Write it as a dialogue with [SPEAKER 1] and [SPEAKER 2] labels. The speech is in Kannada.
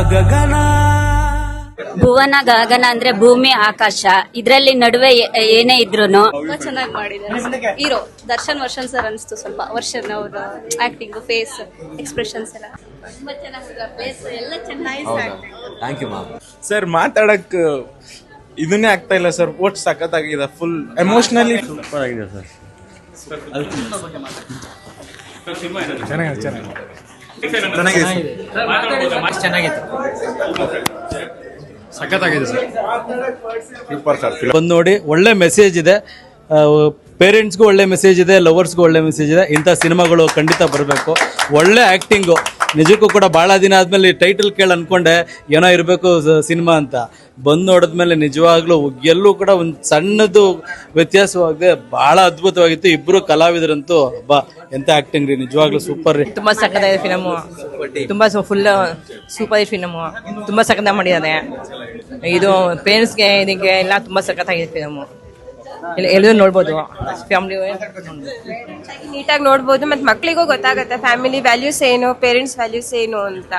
[SPEAKER 1] ಗಗನ.
[SPEAKER 2] ಭುವನ ಗಗನ ಅಂದ್ರೆ ಭೂಮಿ ಆಕಾಶ, ಇದ್ರಲ್ಲಿ ನಡುವೆ ಏನೇ ಇದ್ರೂನು
[SPEAKER 3] ತುಂಬಾ ಚೆನ್ನಾಗಿ ಮಾಡಿದ್ದಾರೆ. ಹೀರೋ ದರ್ಶನ್ ವರ್ಷನ್ ಸರ್ ಅನಿಸ್ತು. ಸ್ವಲ್ಪ ವರ್ಷನ್ ಅವ್ರ ಆಕ್ಟಿಂಗ್, ಫೇಸ್ ಎಕ್ಸ್ಪ್ರೆಷನ್ಸ್ ಎಲ್ಲ ತುಂಬಾ ಚೆನ್ನಾಗಿ.
[SPEAKER 4] Thank you ma'am.
[SPEAKER 5] ಸರ್ ಮಾತಾಡಕ್ ಇದನ್ನೇ ಆಗ್ತಾ ಇಲ್ಲ ಸರ್. ಒಟ್ಟು ಸಖತ್ತಾಗಿದೆ, ಫುಲ್ ಎಮೋಷನಲಿ
[SPEAKER 4] ಸೂಪರ್ ಆಗಿದೆ ಸರ್.
[SPEAKER 6] ಬಂದು ನೋಡಿ, ಒಳ್ಳೆ ಮೆಸೇಜ್ ಇದೆ. ಪೇರೆಂಟ್ಸ್ಗೂ ಒಳ್ಳೆ ಮೆಸೇಜ್ ಇದೆ, ಲವರ್ಸ್ಗೂ ಒಳ್ಳೆ ಮೆಸೇಜ್ ಇದೆ. ಇಂಥ ಸಿನಿಮಾಗಳು ಖಂಡಿತ ಬರಬೇಕು. ಒಳ್ಳೆ ಆ್ಯಕ್ಟಿಂಗು, ನಿಜಕ್ಕೂ ಕೂಡ ಭಾಳ ದಿನ ಆದಮೇಲೆ ಟೈಟಲ್ ಕೇಳಿ ಅಂದ್ಕೊಂಡೆ ಏನೋ ಇರಬೇಕು ಸಿನಿಮಾ ಅಂತ. ಬಂದು ನೋಡಿದ್ಮೇಲೆ ನಿಜವಾಗ್ಲೂ ಎಲ್ಲೂ ಕೂಡ ಒಂದು ಸಣ್ಣದು ವ್ಯತ್ಯಾಸವಾಗದೆ ಭಾಳ ಅದ್ಭುತವಾಗಿತ್ತು. ಇಬ್ಬರು ಕಲಾವಿದರಂತೂ ಎಂಥ ಆ್ಯಕ್ಟಿಂಗ್ ರೀ, ನಿಜವಾಗ್ಲೂ ಸೂಪರ್ ರೀ.
[SPEAKER 7] ತುಂಬ ಸಕ್ಕತ್ತಾಗಿದೆ ಫಿಲಮು, ತುಂಬ ಫುಲ್ ಸೂಪರ್ ಫಿಲಮು, ತುಂಬ ಸಕ್ಕತ್ತಾಗಿ ಮಾಡಿದ್ದಾರೆ. ಇದು ಪೇರೆಂಟ್ಸ್ಗೆ ಇದಕ್ಕೆ ಎಲ್ಲ ತುಂಬ ಸಕ್ಕತ್ತಾಗಿದೆ ಫಿಲಮು. ಎಲ್ಲರೂ ನೋಡ್ಬೋದು, ಫ್ಯಾಮಿಲಿ
[SPEAKER 3] ನೀಟಾಗಿ ನೋಡ್ಬೋದು. ಮತ್ತೆ ಮಕ್ಕಳಿಗೂ ಗೊತ್ತಾಗುತ್ತೆ ಫ್ಯಾಮಿಲಿ ವ್ಯಾಲ್ಯೂಸ್ ಏನು, ಪೇರೆಂಟ್ಸ್ ವ್ಯಾಲ್ಯೂಸ್ ಏನು ಅಂತ.